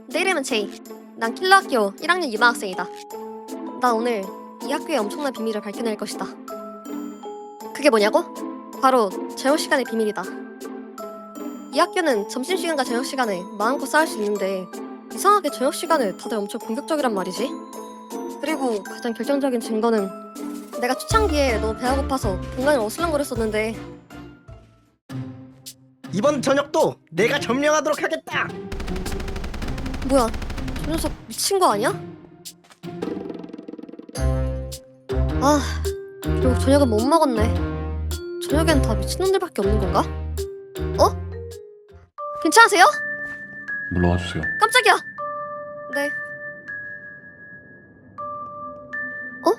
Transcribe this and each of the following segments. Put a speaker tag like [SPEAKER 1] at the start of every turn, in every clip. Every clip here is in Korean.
[SPEAKER 1] 내 이름은 제이. 난 킬러학교 1학년 유망학생이다. 난 오늘 이 학교의 엄청난 비밀을 밝혀낼 것이다. 그게 뭐냐고? 바로 저녁시간의 비밀이다. 이 학교는 점심시간과 저녁시간에 마음껏 싸울 수 있는데 이상하게 저녁시간에 다들 엄청 공격적이란 말이지. 그리고 가장 결정적인 증거는 내가 초창기에 너무 배가 고파서 공간을 어슬렁거렸었는데
[SPEAKER 2] 이번 저녁도 내가 점령하도록 하겠다.
[SPEAKER 1] 뭐야, 저 녀석 미친 거 아니야? 아, 결국 저녁은 못 먹었네. 저녁엔 다 미친놈들밖에 없는 건가? 어? 괜찮으세요?
[SPEAKER 3] 물러와 주세요.
[SPEAKER 1] 깜짝이야. 네. 어?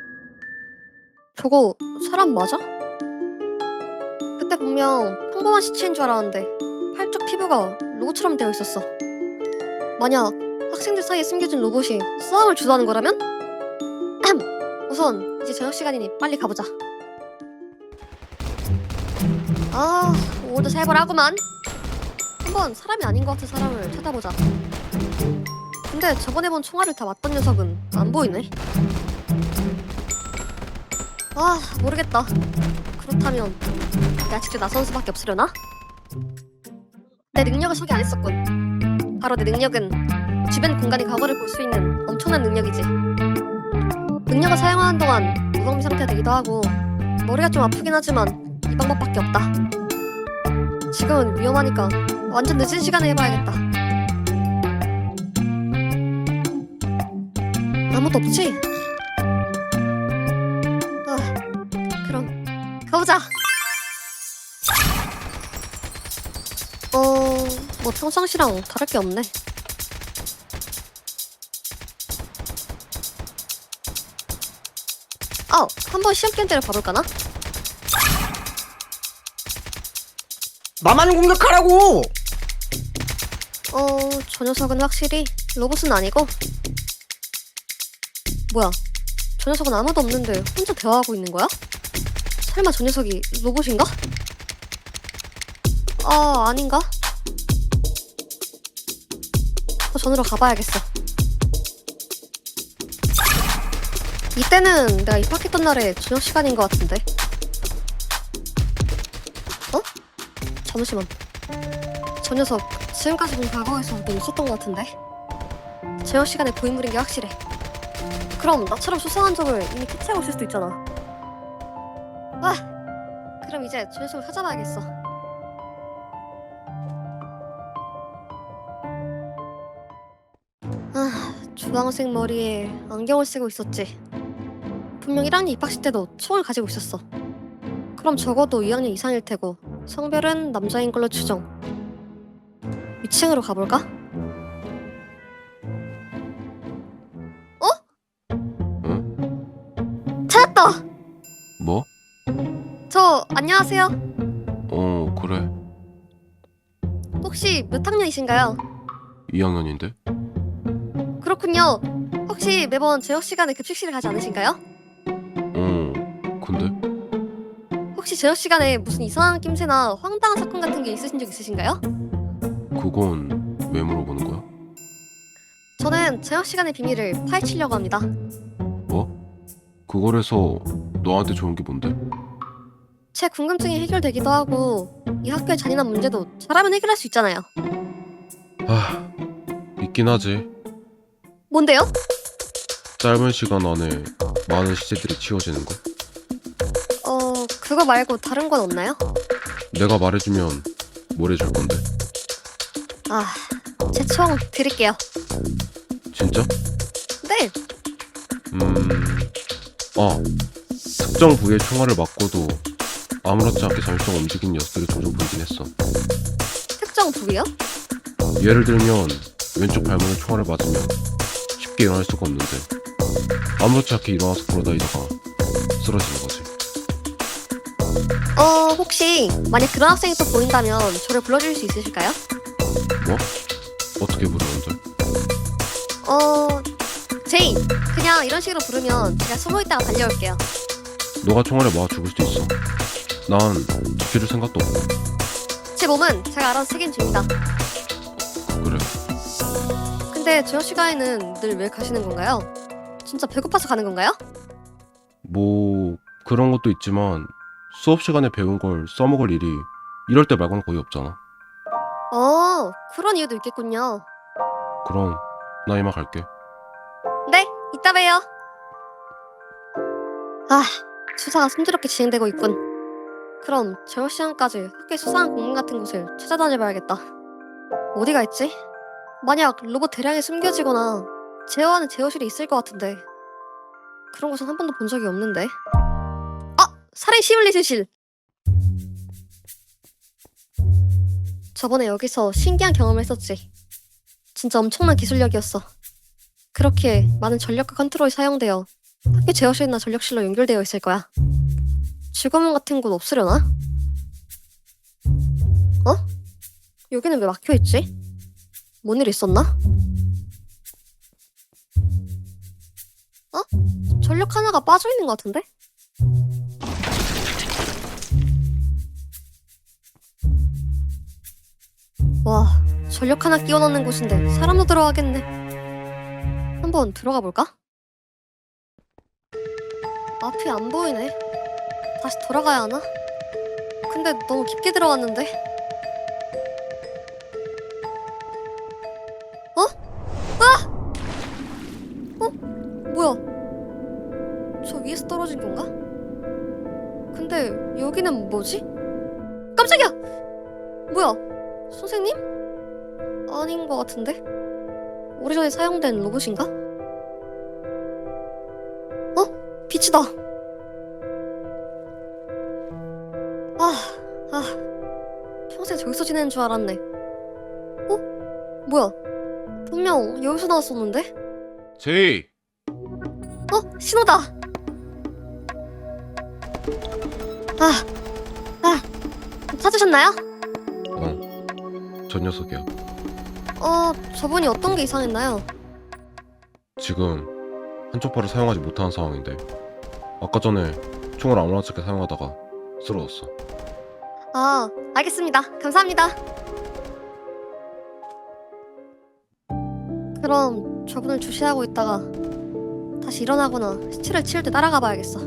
[SPEAKER 1] 저거 사람 맞아? 그때 분명 평범한 시체인 줄 알았는데 팔쪽 피부가 로봇처럼 되어 있었어. 만약 학생들 사이에 숨겨진 로봇이 싸움을 주도하는 거라면? 우선 이제 저녁 시간이니 빨리 가보자. 아, 오늘도 살벌하구만. 한번 사람이 아닌 것 같은 사람을 찾아보자. 근데 저번에 본 총알을 다 맞던 녀석은 안 보이네. 아, 모르겠다. 그렇다면 내가 직접 나서는 수밖에 없으려나? 내 능력을 소개 안 했었군. 바로 내 능력은 주변 공간의 과거를 볼 수 있는 엄청난 능력이지. 능력을 사용하는 동안 무방비 상태가 되기도 하고 머리가 좀 아프긴 하지만 이 방법밖에 없다. 지금은 위험하니까 완전 늦은 시간에 해봐야겠다. 아무도 없지? 아, 그럼 가보자. 뭐 평상시랑 다를 게 없네. 한번 시험 견제를 봐볼까나?
[SPEAKER 2] 나만 공격하라고.
[SPEAKER 1] 저 녀석은 확실히 로봇은 아니고. 뭐야, 저 녀석은 아무도 없는데 혼자 대화하고 있는 거야? 설마 저 녀석이 로봇인가? 아닌가? 전으로 가봐야겠어. 이때는 내가 입학했던 날의 저녁 시간인 것 같은데. 잠시만. 저 녀석 지금까지 본 과거에서 너 있었던 것 같은데. 저녁 시간에 고인물인 게 확실해. 그럼 나처럼 수상한 적을 이미 캐치하고 있을 수도 있잖아. 그럼 이제 저 녀석을 찾아봐야겠어. 주황색 머리에 안경을 쓰고 있었지. 분명 1학년 입학식 때도 총을 가지고 있었어. 그럼 적어도 2학년 이상일 테고 성별은 남자인 걸로 추정. 위층으로 가볼까?
[SPEAKER 3] 응?
[SPEAKER 1] 찾았다!
[SPEAKER 3] 뭐?
[SPEAKER 1] 저 안녕하세요.
[SPEAKER 3] 그래.
[SPEAKER 1] 혹시 몇 학년이신가요?
[SPEAKER 3] 2학년인데?
[SPEAKER 1] 그렇군요. 혹시 매번 저녁 시간에 급식실을 가지 않으신가요?
[SPEAKER 3] 근데?
[SPEAKER 1] 혹시 저녁 시간에 무슨 이상한 낌새나 황당한 사건 같은 게 있으신 적 있으신가요?
[SPEAKER 3] 그건 왜 물어보는 거야?
[SPEAKER 1] 저는 저녁 시간의 비밀을 파헤치려고 합니다.
[SPEAKER 3] 뭐? 그걸 해서 너한테 좋은 게 뭔데?
[SPEAKER 1] 제 궁금증이 해결되기도 하고 이 학교의 잔인한 문제도 잘하면 해결할 수 있잖아요.
[SPEAKER 3] 있긴 하지.
[SPEAKER 1] 뭔데요?
[SPEAKER 3] 짧은 시간 안에 많은 시체들이 치워지는 거.
[SPEAKER 1] 그거 말고 다른 건 없나요?
[SPEAKER 3] 내가 말해주면 뭘 해줄 건데?
[SPEAKER 1] 제 총 드릴게요.
[SPEAKER 3] 진짜?
[SPEAKER 1] 네.
[SPEAKER 3] 특정 부위에 총알을 맞고도 아무렇지 않게 잠시만 움직이는 녀석들을 종종 보긴 했어.
[SPEAKER 1] 특정 부위요?
[SPEAKER 3] 예를 들면 왼쪽 발목에 총알을 맞으면 쉽게 일어날 수가 없는데 아무렇지 않게 일어나서 걸어다니다가 쓰러지는 거지.
[SPEAKER 1] 혹시 만약 그런 학생이 또 보인다면 저를 불러줄 수 있으실까요?
[SPEAKER 3] 뭐? 어떻게 부르는데?
[SPEAKER 1] 제이! 그냥 이런 식으로 부르면 제가 숨어 있다가 달려올게요.
[SPEAKER 3] 너가 총알에 맞아 죽을 수도 있어. 난 지켜줄 생각도 없고.
[SPEAKER 1] 제 몸은 제가 알아서 책임집니다.
[SPEAKER 3] 그래.
[SPEAKER 1] 근데 저녁 시간에는 늘 왜 가시는 건가요? 진짜 배고파서 가는 건가요?
[SPEAKER 3] 뭐 그런 것도 있지만 수업 시간에 배운 걸 써먹을 일이 이럴 때 말고는 거의 없잖아.
[SPEAKER 1] 그런 이유도 있겠군요.
[SPEAKER 3] 그럼 나 이만 갈게.
[SPEAKER 1] 네, 이따 봬요. 아, 수사가 순조롭게 진행되고 있군. 그럼 저녁 시간까지 학교의 수상한 공간 같은 곳을 찾아다녀봐야겠다. 어디가 있지? 만약 로봇 대량이 숨겨지거나 제어하는 제어실이 있을 것 같은데 그런 곳은 한 번도 본 적이 없는데. 살인 시뮬레이션실! 저번에 여기서 신기한 경험을 했었지. 진짜 엄청난 기술력이었어. 그렇게 많은 전력과 컨트롤이 사용되어 학교 제어실이나 전력실로 연결되어 있을 거야. 직원문 같은 곳 없으려나? 여기는 왜 막혀있지? 뭔 일 있었나? 전력 하나가 빠져있는 것 같은데? 와, 전력 하나 끼워 넣는 곳인데 사람도 들어가겠네. 한번 들어가 볼까? 앞이 안 보이네. 다시 돌아가야 하나? 근데 너무 깊게 들어갔는데? 뭐야? 저 위에서 떨어진 건가? 근데 여기는 뭐지? 깜짝이야! 뭐야? 선생님? 아닌 것 같은데? 오래전에 사용된 로봇인가? 빛이다! 평생 저기서 지내는 줄 알았네. 뭐야? 분명 여기서 나왔었는데?
[SPEAKER 3] 제이!
[SPEAKER 1] 신호다! 찾으셨나요?
[SPEAKER 3] 저 녀석이야.
[SPEAKER 1] 저분이 어떤 게 이상했나요?
[SPEAKER 3] 지금 한쪽 팔을 사용하지 못하는 상황인데 아까 전에 총을 아무렇지 않게 사용하다가 쓰러졌어.
[SPEAKER 1] 알겠습니다. 감사합니다. 그럼 저분을 주시하고 있다가 다시 일어나거나 시체를 치울 때 따라가 봐야겠어.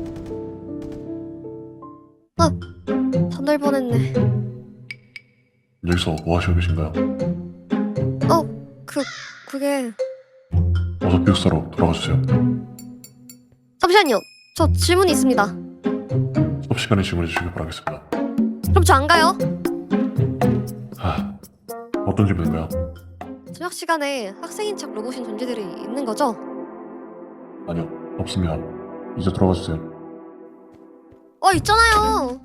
[SPEAKER 1] 전달 보냈네.
[SPEAKER 4] 여기서 뭐 하시고 계신가요?
[SPEAKER 1] 그게...
[SPEAKER 4] 어서 기숙사로 돌아가주세요.
[SPEAKER 1] 잠시만요. 저 질문이 있습니다.
[SPEAKER 4] 수업 시간에 질문해 주시기 바라겠습니다.
[SPEAKER 1] 그럼 저 안 가요.
[SPEAKER 4] 어떤 질문인가요?
[SPEAKER 1] 저녁 시간에 학생인 척 로봇인 존재들이 있는 거죠?
[SPEAKER 4] 아니요, 없습니다. 이제 돌아가주세요.
[SPEAKER 1] 있잖아요.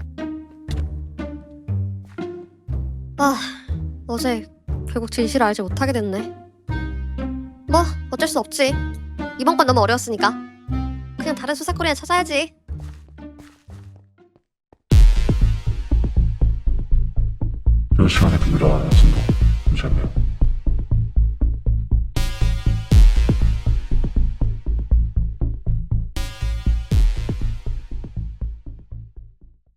[SPEAKER 1] 어제 결국 진실을 알지 못하게 됐네. 뭐 어쩔 수 없지. 이번 건 너무 어려웠으니까 그냥 다른 수사거리나 찾아야지.
[SPEAKER 4] 저 시간에 비밀을 알아냈습니다. 잠시만요.